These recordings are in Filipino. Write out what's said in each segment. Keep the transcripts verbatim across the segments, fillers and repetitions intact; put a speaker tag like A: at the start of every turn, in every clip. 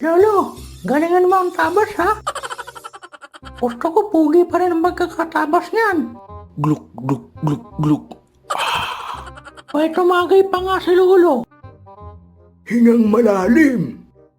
A: Lolo, galingan mo ang tabas ha? Gusto ko pugi pa rin ang magkakatabas niyan.
B: Gluk, gluk, gluk, gluk.
A: May tumagay pa nga si Lolo.
B: Hingang malalim.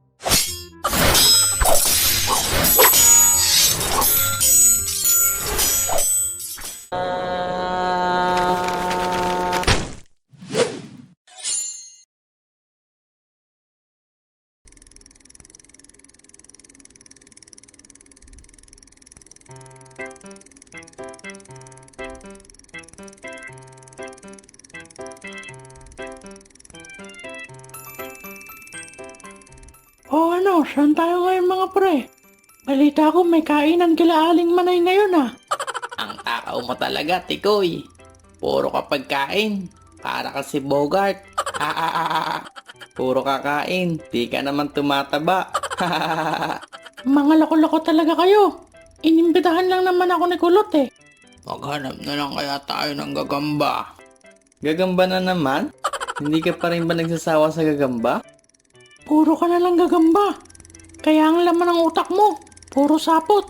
A: O ano, saan tayo ngayon mga pre? Balita ko may kainan kila Aling Manay ngayon ah.
C: Ang takaw mo talaga, Tikoy. Puro ka pagkain. Para ka si Bogart. Ah, ah, ah, ah. Puro kakain. Di ka naman tumataba.
A: Mga loko-loko talaga kayo. Inimbitahan lang naman ako ni Kulot eh.
C: Maghanap na lang kaya tayo ng gagamba. Gagamba na naman? Hindi ka pa rin ba nagsasawa sa gagamba?
A: Puro ka na lang gagamba. Kaya ang laman ng utak mo, puro sapot.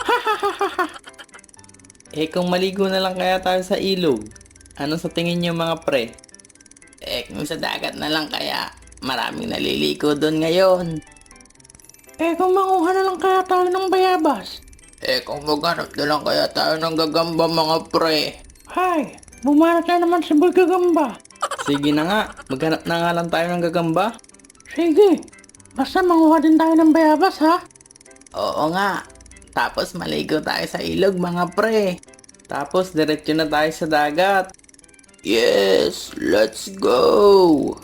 C: Eh kung maligo na lang kaya tayo sa ilog, ano sa tingin niyo mga pre? Eh kung sa dagat na lang kaya, maraming naliligo doon ngayon.
A: Eh kung manguha na lang kaya tayo ng bayabas.
C: Eh kung maghanap na lang kaya tayo ng gagamba mga pre.
A: Hay, bumanat na naman si Boy Gagamba.
C: Sige na nga, maghanap na nga lang tayo ng gagamba.
A: Sige, basta manguha din tayo ng bayabas ha.
C: Oo nga, tapos maligo tayo sa ilog mga pre. Tapos diretso na tayo sa dagat. Yes, let's go!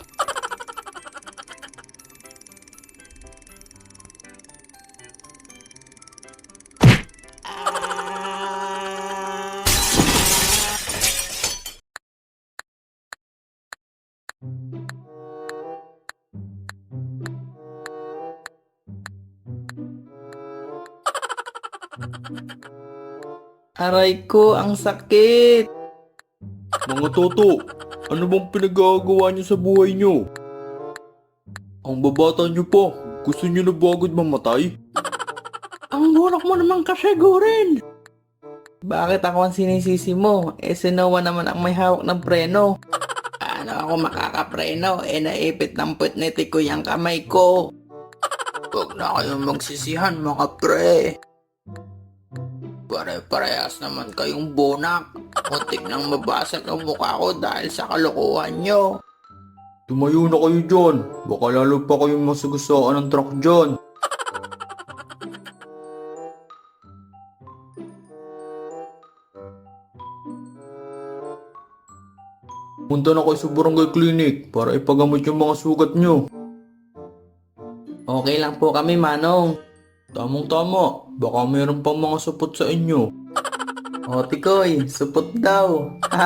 C: Aray ko, ang sakit!
B: Mga toto, ano bang pinagagawa niyo sa buhay niyo? Ang babata niyo pa, gusto niyo na ba agad mamatay?
A: Ang bulak mo naman kasi, Gurin.
C: Bakit ako ang sinisisi mo? Eh si Noah naman ang may hawak ng preno. Paano ako makakapreno? Eh naipit ng put ni Tikoy ang kamay ko. Huwag na kayong magsisihan mga pre. Pare-parehas naman kayong bonak. Muntik nang mabasag ang mukha ko dahil sa kalokohan nyo.
B: Tumayo na kayo dyan, baka lalo pa kayong masagasaan ng truck dyan. Punta na kayo sa barangay clinic para ipagamot yung mga sugat nyo.
C: Okay lang po kami, Manong.
B: Tamang tama, baka mayroon pang mga supot sa inyo.
C: O Tikoy, supot daw.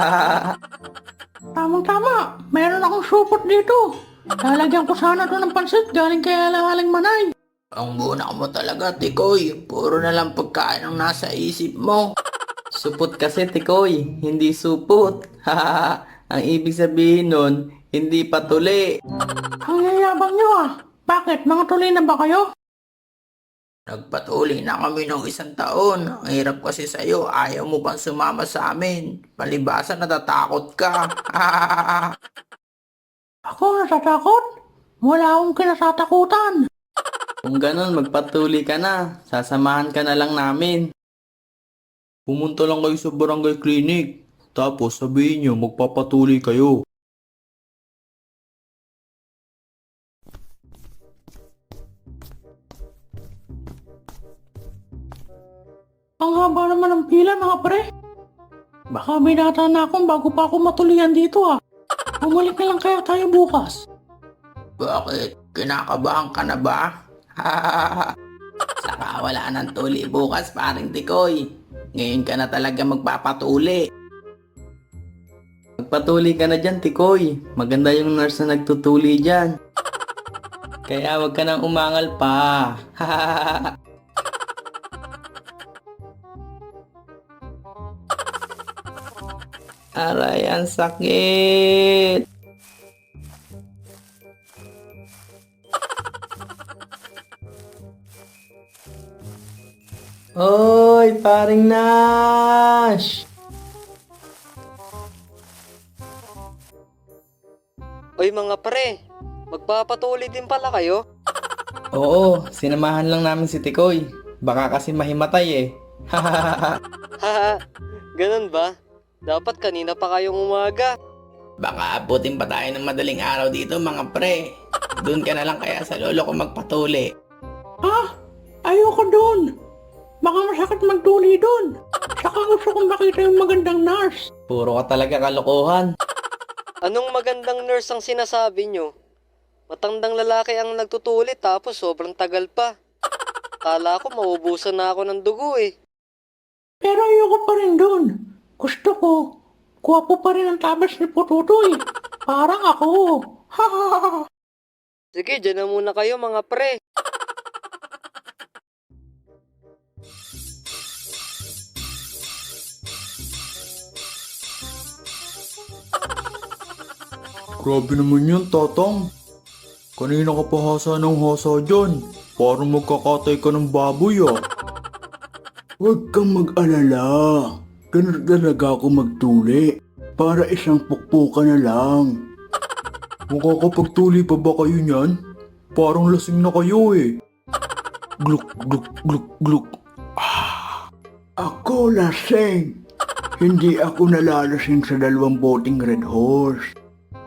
A: Tamang-tama, meron akong supot dito. Lalagyan ko sana to ng pansit galing kay Aling Manay.
C: Ang bunak mo talaga, Tikoy. Puro na lang pagkain ang nasa isip mo. Supot kasi, Tikoy. Hindi supot. Ang ibig sabihin nun, hindi patuli.
A: Ang yayabang nyo ah. Bakit? Mga tuloy na ba kayo?
C: Nagpatuli na kami ng isang taon. Ang hirap kasi sa'yo. Ayaw mo bang sumama sa amin? Palibasa natatakot ka.
A: Ako natatakot? Wala akong kinasatakutan.
C: Kung ganun, magpatuli ka na. Sasamahan ka na lang namin.
B: Pumunta lang kayo sa barangay clinic, tapos sabihin nyo magpapatuloy kayo.
A: Ang haba naman ng pila mga pre. Baka binata na akong bago pa ako matulian dito ah. Bumalik na lang kaya tayo bukas.
C: Bakit? Kinakabahan ka na ba? Saka wala ng tuli bukas, paring Tikoy. Ngayon ka na talaga magpapatuli. Magpatuli ka na dyan, Tikoy. Maganda yung nurse na nagtutuli dyan. Kaya wag ka nang umangal pa. Aray, ang sakit. Oy, paring Nash!
D: Oy mga pre, magpapatuloy din pala kayo?
C: Oo, sinamahan lang namin si Tikoy. Baka kasi mahimatay eh.
D: Haha, ganun ba? Dapat kanina pa kayong umaga.
C: Baka abutin pa tayo ng madaling araw dito mga pre. Doon ka na lang kaya sa lolo ko magpatuli.
A: Ha? Ayoko doon. Baka masakit magtuli doon. Saka gusto kong makita yung magandang nurse.
C: Puro ka talaga kalokohan.
D: Anong magandang nurse ang sinasabi nyo? Matandang lalaki ang nagtutuli tapos sobrang tagal pa. Kala ko maubusan na ako ng dugo eh.
A: Pero ayoko pa rin doon. Gusto ko, kuwapo pa rin ang tabas ni Pututoy. Parang ako. Ha ha ha.
D: Sige, dyan na muna kayo mga pre.
B: Grabe naman yan, Tatang. Kanina ka pa hasa ng hasa dyan. Parang magkakatay ka ng baboy ah. Huwag kang mag-alala. Ganun talaga ako magtuli. Para isang pukpuka na lang. Makakapagtuli pa ba kayo niyan? Parang lasing na kayo eh. Gluk, gluk, gluk, gluk. Ah, ako lasing. Hindi ako nalalasing sa dalawang boteng Red Horse.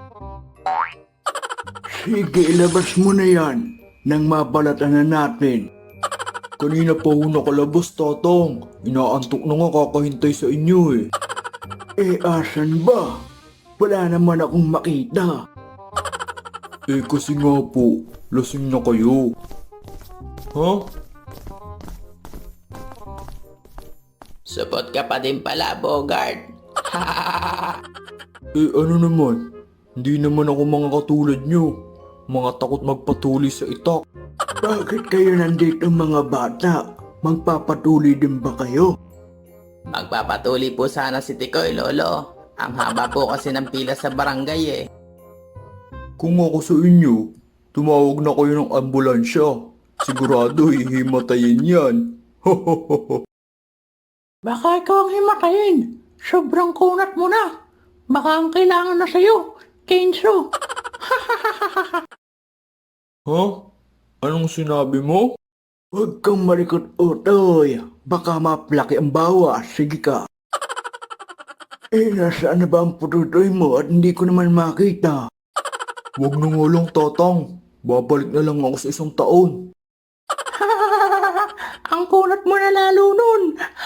B: Sige, ilabas mo na yan nang mabalatan na natin. Kanina pa ho nakalabas, Tatang. Inaantok na nga kakahintay sa inyo eh. Eh, asan ba? Wala naman akong makita. Eh, kasi nga po, lasing na kayo. Ha?
C: Supot ka pa din pala, Bogart.
B: Eh, ano naman? Hindi naman ako mga katulad nyo. Mga takot magpatuli sa itak. Bakit kayo nandito mga bata? Magpapatuli din ba kayo?
C: Magpapatuli po sana si Tikoy, lolo. Ang haba po kasi ng pila sa barangay eh.
B: Kung ako sa inyo, tumawag na kayo ng ambulansya. Sigurado hihimatayin yan.
A: Baka ikaw ang himatayin. Sobrang kunat mo na. Baka ang kailangan na sa'yo, Kenzo.
B: Ha? Anong sinabi mo? Huwag kang malikot, Utoy. Baka maplaki ang bawas. Sige ka. Eh, nasaan na ba ang pututoy mo at hindi ko naman makita? Huwag na nga lang, Tatang. Babalik na lang ako sa isang taon.
A: Ang kunat mo na lalo nun.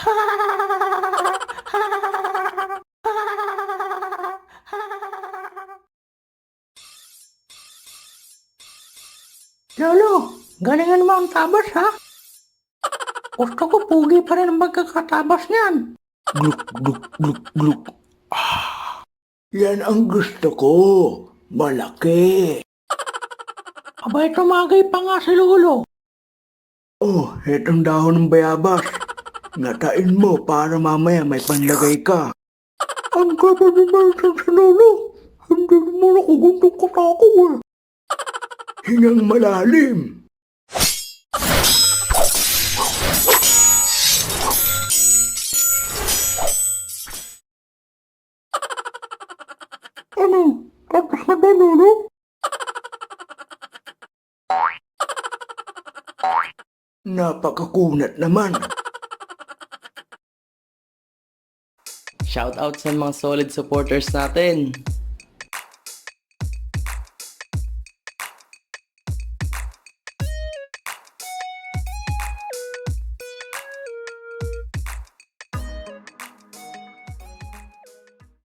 A: Lolo, galingan mo ang tabas ha? Gusto ko pugi pa rin ang magkakatabas niyan.
B: Gluk, gluk, gluk, gluk. Ah, yan ang gusto ko. Malaki.
A: Abay, tumagay pa nga si Lolo.
B: Oh, etong dahon ng bayabas. Ngatain mo para mamaya may panlagay ka. Ang gaba ni Nelson sa lolo. Hindi naman ako gundong katako eh. Hingang malalim.
A: Ano? Tapos na ba, Lolo?
B: Napakakunat naman.
C: Shoutout sa mga solid supporters natin.